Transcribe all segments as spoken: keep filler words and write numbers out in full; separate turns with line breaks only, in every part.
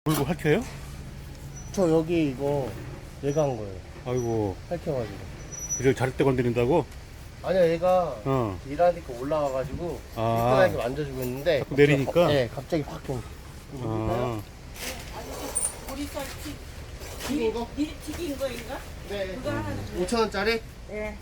물고 핥혀요?
저 여기 이거 얘가 한 거예요.
아이고,
핥혀가지고.
그저 잘 때 건드린다고?
아니야, 얘가
어.
일하니까 올라와가지고
아.
일등하게 만져주고 있는데
자꾸 내리니까?
네, 갑자기 확 좀.
아,
보리쌀 튀,
튀긴 거?
미리 튀긴 거인가?
네.
그거 하나 주세요.
오천 원짜리?
네.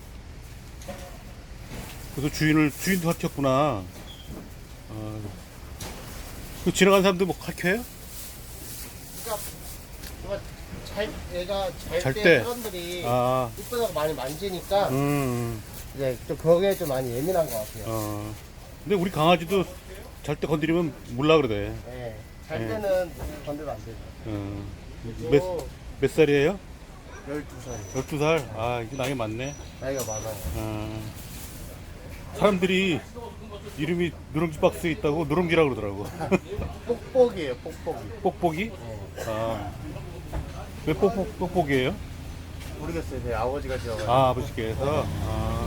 그래서 주인을, 주인도 핥혔구나. 아, 그 지나가는 사람들 뭐 핥혀요?
그러니까 얘가 잘 얘가
잘
잘
때.
때 사람들이
아,
이쁘다고 많이 만지니까
음,
이제 좀 거기에 좀 많이 예민한 것 같아요.
어. 근데 우리 강아지도 잘 때 건드리면 몰라 그러대.
네. 잘
네.
때는 건드면 안 되죠.
어. 몇, 몇 살이에요?
열두 살.
열두 살? 아, 이제 나이 많네.
나이가 많아요.
어. 사람들이 이름이 누룽지 박스에 있다고 누룽지라고 그러더라고.
뽁뽁이에요, 뽁뽁이.
뽁뽁이?
네.
아. 왜 뽁뽁, 뽁뽁이에요?
모르겠어요. 제 아버지가 지어가지고.
아, 아버지께서? 아.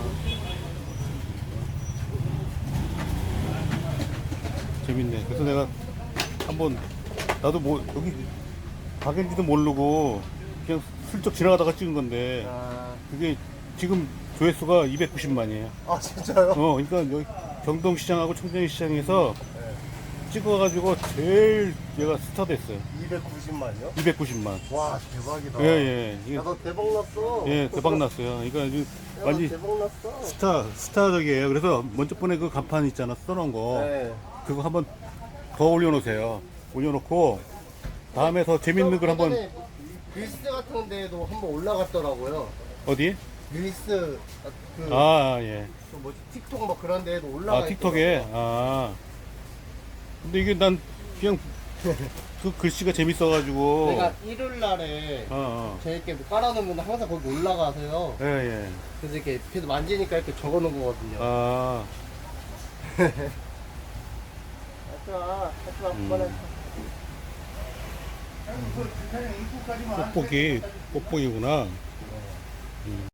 재밌네. 그래서 내가 한번, 나도 뭐, 여기 가게인지도 모르고, 그냥 슬쩍 지나가다가 찍은 건데,
아,
그게 지금 조회수가 이백구십만이에요.
아 진짜요?
어, 그러니까 여기 경동시장하고 청정시장에서
네.
찍어가지고 제일 얘가 스타 됐어요.
이백구십만요?
이백구십만.
와 대박이다.
예, 예. 이게,
나도 대박 났어.
예, 대박 났어요. 그러니까 이제
야, 나
완전
대박 났어.
스타, 스타적이에요. 그래서 먼저 번에 그 간판 있잖아, 써놓은 거.
네.
그거 한번 더 올려놓으세요. 올려놓고, 다음에 더 재밌는 걸 한번,
예전에 릴스 같은 데에도 한번 올라갔더라고요.
어디?
릴스 그,
아, 예.
그 뭐지 틱톡 뭐 그런 데에도 올라가.
아, 틱톡에?
있더라고요.
아. 근데 이게 난 그냥 그 글씨가 재밌어가지고.
내가 일요일 날에
어, 어.
제 이렇게 뭐 깔아놓으면 항상 거기 올라가서요.
예, 예.
그래서 이렇게 계속 만지니까 이렇게 적어놓은 거거든요.
아,
하지마, 하지마,
음.
그만해.
뽁뽁이, 뽁뽁이구나.